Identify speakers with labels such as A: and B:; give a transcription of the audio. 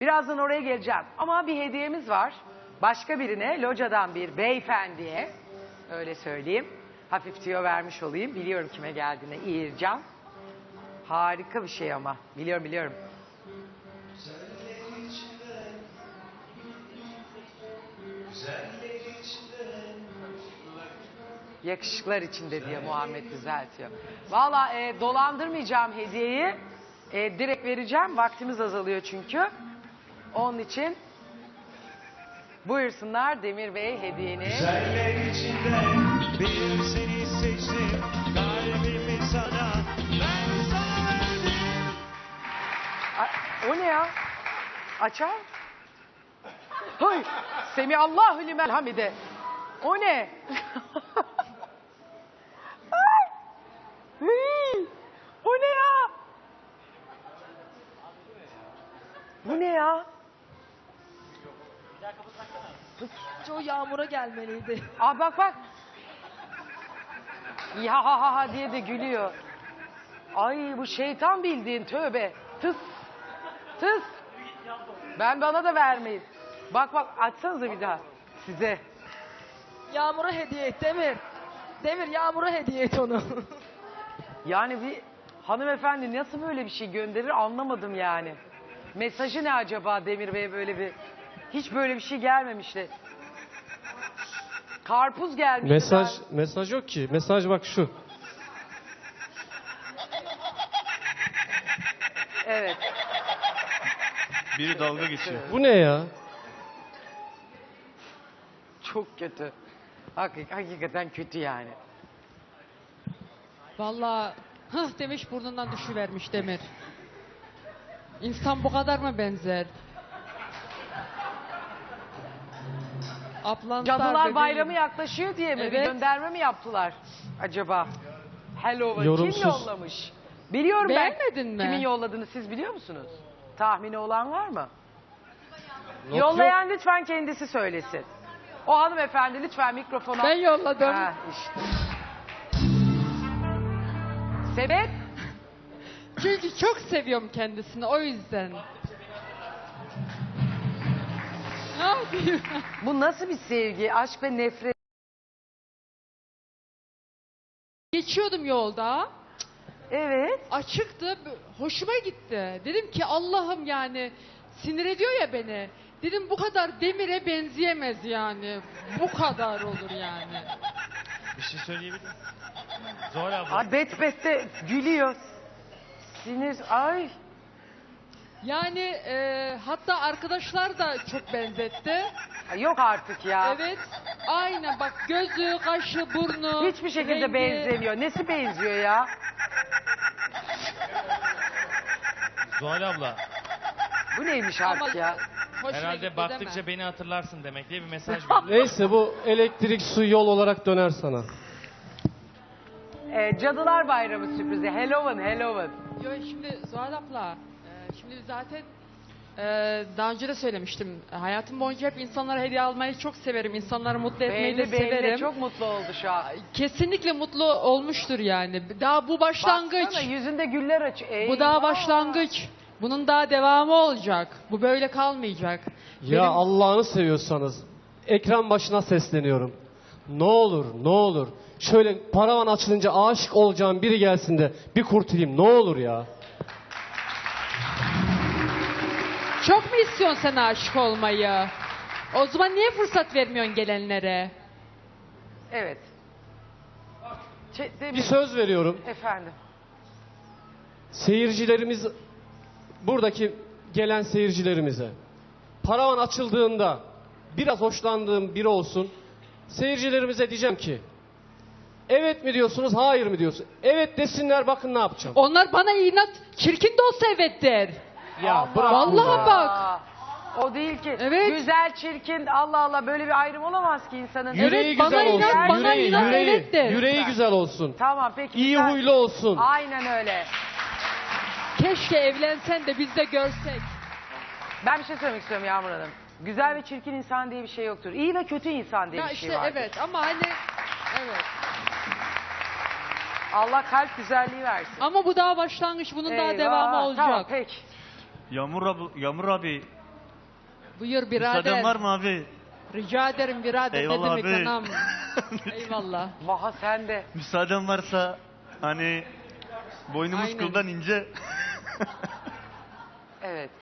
A: Birazdan oraya geleceğim. Ama bir hediyemiz var. Başka birine, locadan bir beyefendiye, öyle söyleyeyim. Hafif tüyo vermiş olayım. Biliyorum kime geldiğine. İğircan. Harika bir şey ama. Biliyorum. Yakışıklar içinde diye Muhammed düzeltiyor. Valla dolandırmayacağım hediyeyi. Direkt vereceğim. Vaktimiz azalıyor çünkü. Onun için buyursunlar Demir Bey hediyeni.
B: Güzeller içinden bir seni seçtim. Kalbimi sana ben sana verdim.
A: O ne ya? Açar. Hay! Semihallahu limen hamide. O ne? Ay! Hıy! O ne ya? Bu ne ya?
C: O Yağmur'a gelmeliydi.
A: Aa bak. Ya ha ha ha diye de gülüyor. Ay bu şeytan bildiğin tövbe. Tıs. Bana da vermeyin. Bak açsanıza bir daha. Size.
C: Yağmur'a hediye et Demir. Demir Yağmur'a hediye et onu.
A: Yani bir hanımefendi nasıl böyle bir şey gönderir anlamadım yani. Mesajı ne acaba Demir Bey'e böyle bir... Hiç böyle bir şey gelmemişti. Karpuz gelmiş.
D: Mesaj yok ki. Mesaj bak şu.
A: Evet.
B: Biri dalga geçiyor.
D: Bu ne ya?
A: Çok kötü. Hakikaten kötü yani.
E: Vallahi hıh demiş burnundan düşüvermiş Demir. İnsan bu kadar mı benzer? Ablanslar
A: Cadılar
E: bebeğim.
A: Bayramı yaklaşıyor diye mi? Bir
E: Evet.
A: gönderme mi yaptılar acaba? Hello
D: Yorumsuz.
A: kim yollamış? Biliyorum
E: Beğenmedin
A: ben.
E: mi?
A: Kimin yolladığını siz biliyor musunuz? Tahmini olan var mı?
D: Not
A: Yollayan lütfen kendisi söylesin. O hanımefendi lütfen mikrofona...
E: Ben yolladım.
A: Ha, işte. Sebep?
E: Çünkü çok seviyorum kendisini o yüzden. Ne yapayım?
A: Bu nasıl bir sevgi? Aşk ve nefret.
E: Geçiyordum yolda.
A: Evet.
E: Açıktı. Hoşuma gitti. Dedim ki Allah'ım yani sinir ediyor ya beni. Dedim bu kadar Demir'e benzeyemez yani. Bu kadar olur yani.
B: Bir şey söyleyebilir miyim? Zuhal abla.
A: Ay bet de gülüyor. Sinir. Ay.
E: Yani hatta arkadaşlar da çok benzetti.
A: Yok artık ya.
E: Evet. Aynen bak gözü, kaşı, burnu.
A: Hiçbir şekilde
E: rengi.
A: benzemiyor. Nesi benziyor ya?
B: Zuhal abla.
A: Bu neymiş
E: Ama
A: artık ya?
E: hoşuna
B: Herhalde
E: gitti,
B: baktıkça
E: değil mi?
B: beni hatırlarsın demek diye bir mesaj verdi.
D: Neyse bu elektrik su yol olarak döner sana.
A: Cadılar Bayramı sürprizi. Halloween.
E: Yo, şimdi Zuhal abla, şimdi zaten daha önce de söylemiştim. Hayatım boyunca hep insanlara hediye almayı çok severim. İnsanları mutlu etmeyi de
A: Belli
E: severim.
A: çok mutlu oldu şu an.
E: Kesinlikle mutlu olmuştur yani. Daha bu başlangıç.
A: Baksana yüzünde güller aç.
E: Bu daha
A: Eyvah.
E: başlangıç. Bunun daha devamı olacak. Bu böyle kalmayacak.
D: Ya Allah'ını seviyorsanız ekran başına sesleniyorum. Ne olur şöyle paravan açılınca aşık olacağım biri gelsin de bir kurtulayım ne olur ya.
E: Çok mu istiyorsun sen aşık olmayı? O zaman niye fırsat vermiyorsun gelenlere?
A: Evet.
D: Bir söz veriyorum.
A: Efendim.
D: Seyircilerimiz, buradaki gelen seyircilerimize paravan açıldığında biraz hoşlandığım biri olsun. Seyircilerimize diyeceğim ki evet mi diyorsunuz hayır mı diyorsunuz? Evet desinler bakın ne yapacağım.
E: Onlar bana inat, çirkin de olsa evet der.
D: Ya bırak
E: Vallahi
D: bunu ya.
E: bak.
A: O değil ki.
E: Evet.
A: Güzel, çirkin, Allah Allah böyle bir ayrım olamaz ki insanın.
D: Yüreği
E: Evet, bana
D: güzel olsun.
E: inan, bana inan, evet de.
D: Yüreği güzel olsun.
A: Tamam peki.
D: İyi
A: güzel.
D: huylu olsun.
A: Aynen öyle.
E: Keşke evlensen de biz de görsek.
A: Ben bir şey söylemek istiyorum Yağmur Hanım. Güzel ve çirkin insan diye bir şey yoktur. İyi ve kötü insan diye
E: Ya
A: bir şey
E: işte
A: vardır.
E: evet ama hani evet.
A: Allah kalp güzelliği versin.
E: Ama bu daha başlangıç, bunun daha
A: Eyvah.
E: devamı olacak.
A: Tamam peki.
F: Yağmur abi
E: Buyur birader.
B: Müsaaden var mı abi?
E: Rica ederim birader.
B: Eyvallah
E: ne demek
B: abi.
E: anam. Eyvallah.
A: Vaha sen de.
B: Müsaaden varsa hani boynumuz
E: Aynen.
B: kıldan ince.
A: Evet.